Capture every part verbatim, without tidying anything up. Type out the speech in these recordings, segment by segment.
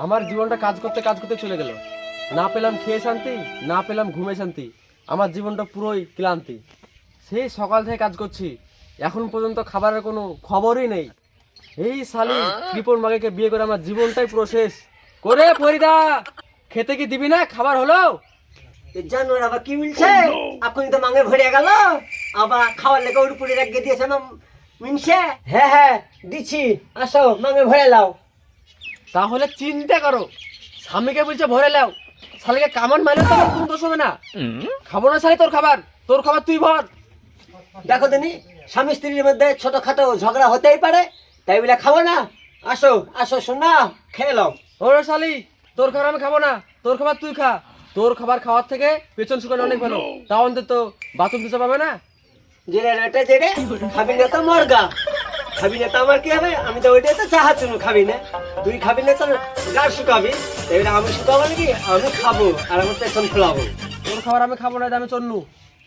আমার জীবনটা কাজ করতে কাজ করতে চলে গেল। না পেলাম খেয়ে শান্তি, না পেলাম ঘুমে শান্তি। আমার জীবনটা পুরোই ক্লান্তি। সেই সকাল থেকে কাজ করছি, এখন পর্যন্ত খাবারের কোনো খবরই নেই। এই শালি কৃপণ মাগিকে বিয়ে করে আমার জীবনটাই পুরো শেষ করে। ফরিদা, খেতে কি দিবি না? খাবার হলো? জানোয়ার আবার কি মিলছে? এখন তো মাঙে ভরে গেল, আবার খাওয়ার লেগে ওর উপরে রেখে দিয়েছে না মিনছে। হ্যাঁ হ্যাঁ দিচ্ছি, আসো মাঙে ভরে লাও। তাহলে চিন্তা করো, স্বামীকে বলছে ভরে লাও, শালিকে কামান মারলে তো আমার কোনো দোষ হবে না। খাবো না শালি তোর খাবার, তোর খাবার তুই ভর। দেখো দিনি, স্বামী স্ত্রীর মধ্যে ছোটখাটো ঝগড়া হতেই পারে, তাই বলে খাবো না? আসো আসো শোনা, খেয়ে লাও। ওরে শালি, তোর খাবার আমি খাবো না, তোর খাবার তুই খা। তোর খাবার খাওয়ার থেকে পেছন শুকানো অনেক ভালো, তাও অন্তত বাথরুম দিতে পাবে না। জেরে রেটে জেরে খাবি না তো মরগা, খাবি না তো আমার কি হবে? আমি তো ওইটাই তো চাহাচ্ছি না, খাবি না তুই, খাবি না তো গাছ শুকাবি, এবারে আমি শুকাবো নাকি? আমি খাবো আর আমার পেছন খোলাবো। তোর খাবার আমি খাবো না, আমি চন্নু।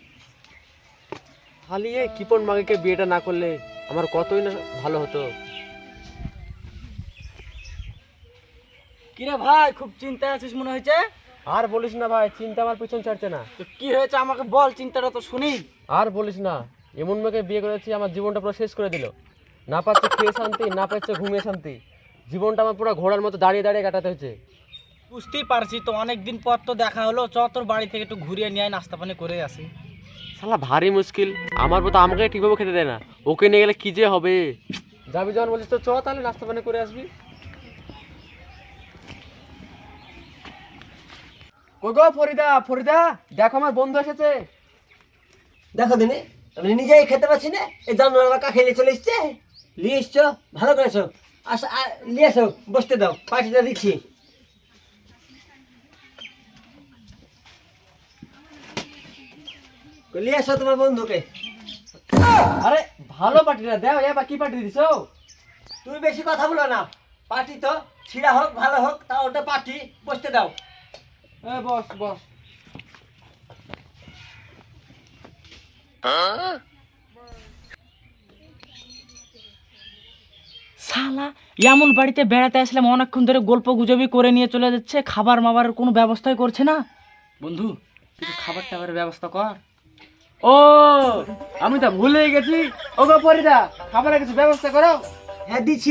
খালি এই কিপন মাগিকে বিয়েটা না করলে আমার কতই না ভালো হতো। কিরে ভাই, খুব চিন্তায় আছিস মনে হয়েছে। আর বলিস না ভাই, চিন্তা আমার পিছন ছাড়ছে না। তো কি হয়েছে আমাকে বল, চিন্তাটা তো শুনি। আর বলিস না, এমন মেয়েকে বিয়ে করেছি আমার জীবনটা পুরো শেষ করে দিল। না পাচ্ছে খেয়ে শান্তি, না পাচ্ছে ঘুমিয়ে শান্তি। জীবনটা আমার পুরো ঘোড়ার মতো দাঁড়িয়ে দাঁড়িয়ে কাটাতে হয়েছে। বুঝতেই পারছি তো, অনেক দিন পর তো দেখা হলো, চ তোর বাড়ি থেকে একটু ঘুরিয়ে নিয়ে আয়, নাস্তা পানি করে আসি। শালা ভারী মুশকিল, আমার মতো আমাকে ঠিকভাবে খেতে দেয় না, ওকে নিয়ে গেলে কি যে হবে। যাবি যখন বলছিস তো চ, তাহলে নাস্তা পানি করে আসবি। কই গো ফরিদা, ফরিদা দেখো আমার বন্ধু এসেছে। দেখো দিনে, আমি নিজেই খেতে পাচ্ছি না, এই জানোয়ার আবার কাকে নিয়ে চলে এসছে। নিয়ে এসছো, ভালো করেছো। আসো নিয়ে এসো, বসতে দাও, পার্টিটা দিচ্ছি। নিয়ে এসো তোমার বন্ধুকে। আরে ভালো পার্টি না দেও, এবার কি পার্টি দিছো? তুমি বেশি কথা বলো না, পার্টি তো ছিঁড়া হোক ভালো হোক, তা ওটা পার্টি, বসতে দাও। এ বস বস। শালা এমন বাড়িতে বেড়াতে আসলাম, অনেকক্ষণ ধরে গল্প গুজবই করে নিয়ে চলে যাচ্ছে, খাবার মাবারের কোনো ব্যবস্থাই করছে না। বন্ধু, কিছু খাবার টাবারের ব্যবস্থা কর। ও আমি তো ভুলেই গেছি। ও গো ফরিদা, খাবারের কিছু ব্যবস্থা করো। হ্যাঁ দিচ্ছি,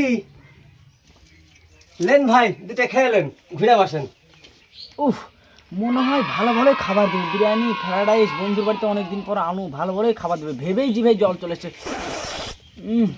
লেন ভাই দুটা খেয়ে লেন, ঘুরে বসেন। উফ, মনে হয় ভালো ভালোই খাবার দেবে, বিরিয়ানি ফ্রাইড রাইস, বন্ধুর বাড়িতে অনেকদিন পর আনু, ভালো ভালোই খাবার দেবে, ভেবেই জিভে জল চলেছে। উম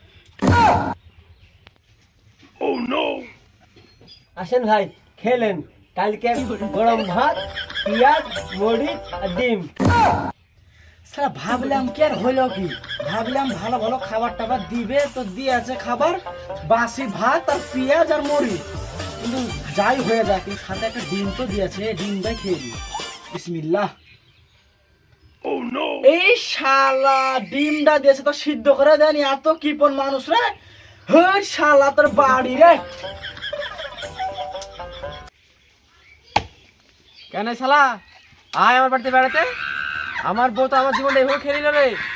আসেন ভাই খেলেন, কালকে গরম ভাত, পেঁয়াজ, মরিচ আর ডিম। স্যার ভাবলাম কি আর হইল কি, ভাবলাম ভালো ভালো খাবার টাবার দিবে, তো দিয়ে আছে খাবার বাসি ভাত আর পেঁয়াজ আর মরিচ, কিন্তু যাই হয়ে যাক, কিন্তু সাথে একটা ডিম তো দিয়েছে, ডিমটাই খেয়ে দিই। বিসমিল্লাহ। এই শালা ডিমটা দিয়েছে তো সিদ্ধ করে দেয়নি, এত কিপন মানুষ রে। হ্যাঁ শালা তোর বাড়ি রে। কেন শালা, আয় আমার বাড়িতে বেড়াতে। আমার বউ তো আমার জীবনটা এভাবে খেয়ে নিল রে।